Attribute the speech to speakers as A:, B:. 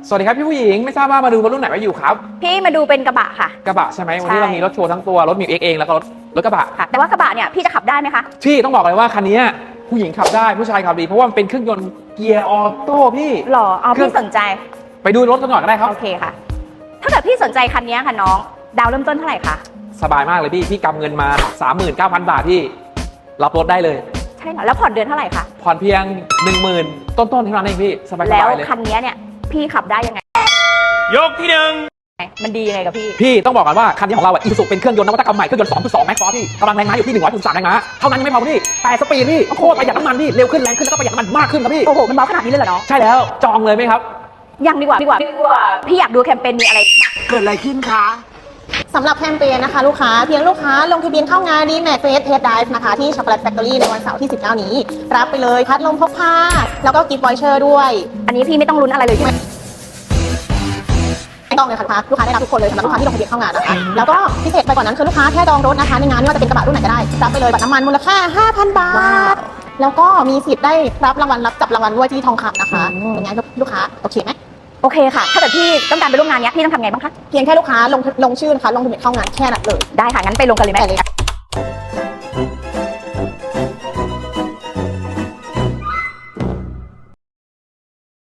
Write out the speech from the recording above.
A: สวัสดีครับพี่ผู้หญิงไม่ทราบว่ามาดูรถรุ่นไหนมาอยู่ครับ
B: พี่มาดูเป็นกระบะค่ะ
A: กระบะใช่ไหมวันนี้เรามีรถโชว์ทั้งตัวรถมิวเอ็กเองแล้วก็รถกระบะ
B: ค่ะแต่ว่ากระบะเนี่ยพี่จะขับได้ไหมคะ
A: พี่ต้องบอกเลยว่าคันนี้ผู้หญิงขับได้ผู้ชายขับดีเพราะว่ามันเป็นเครื่องยนต์เกียร์ออโต้พี่
B: หรอเอาพี่สนใจ
A: ไปดูรถกันก่อนก็ได้ครับ
B: โอเคค่ะถ้าเกิดพี่สนใจคันนี้ค่ะน้องดาวเริ่มต้นเท่าไหร่คะ
A: สบายมากเลยพี่กำเงินมา 39,000 บาทพี่รับรถได้เลย
B: ใช่เหรอแล้วผ่อนเดือนเท่าไหร่คะ
A: ผ่อนเพียง 10,000 ต้นๆเท่านั้นเองพี่สบายๆเลย
B: แล้วคันนี้เนี่ยพี่ขับได้ยังไง
A: ยกที่หนึ่ง
B: มันดียังไงกับพี่
A: ต้องบอกกันว่าคันนี้ของเราอีซูซูเป็นเครื่องยนต์นวัตกรรมใหม่เครื่องยนต์ 2.2 แม็กซ์ฟอร์พี่กำลังแรงม้าอยู่ที่100.3 แรงม้าเท่านั้นยังไม่พอพี่8 สปีดพี่โคตรประหยัดน้ำมันพี่เร็วขึ้นแรงขึ้นแล้วก็ประหยัดน้ำมันมากขึ้นครับพี่
B: โอ้โหมันเบาขนาดนี้เลยเหรอน้อง
A: ใช่แล้วจองเลยไหมครับ
B: ยังดีกว่าพี่อยากดูแคมเปญมีอะไร
A: เกิดอะไรขึ้นคะ
C: สำหรับแคมเปญนะคะลูกค้าเพียงลูกค้าลงทะเบียนเข้างานดีแม็กเฟสเทสไดฟ์นะคะที่ช็อกโกแลตแฟคทอรี่ในวันเสาร์ที่19นี้รับไปเลยพัดลมพกพาแล้วก็กิฟต์วอยเชอร์ด้วย
B: อันนี้พี่ไม่ต้องลุ้นอะไรเลยใช่ไหม
C: ไม่ต้องเลยค่ะลูกค้าได้รับทุกคนเลยสำหรับลูกค้าที่ลงทะเบียนเข้างานนะคะแล้วก็พิเศษไปกว่านั้นคือลูกค้าแค่จองรถนะคะในงานไม่ว่าจะเป็นกระบะรุ่นไหนก็ได้รับไปเลยบัตรน้ำมันมูลค่า 5,000 บาทแล้วก็มีสิทธิ์ได้รับรางวัลรับจับรางวัลด้วยที่ทองคำนะคะอย่างงี้ลูกค้าโอเคไหม
B: โอเคค่ะถ้าเกิดพี่ต้องการไปร่วมงานนี้พี่ต้องทำไงบ้างคะ
C: เพียงแค่ลูกค้าลงชื่อนะคะลงทะเบียนเข้างานแค่นั้นเลย
B: ได้ค่ะงั้นไปลงกันเลยไหม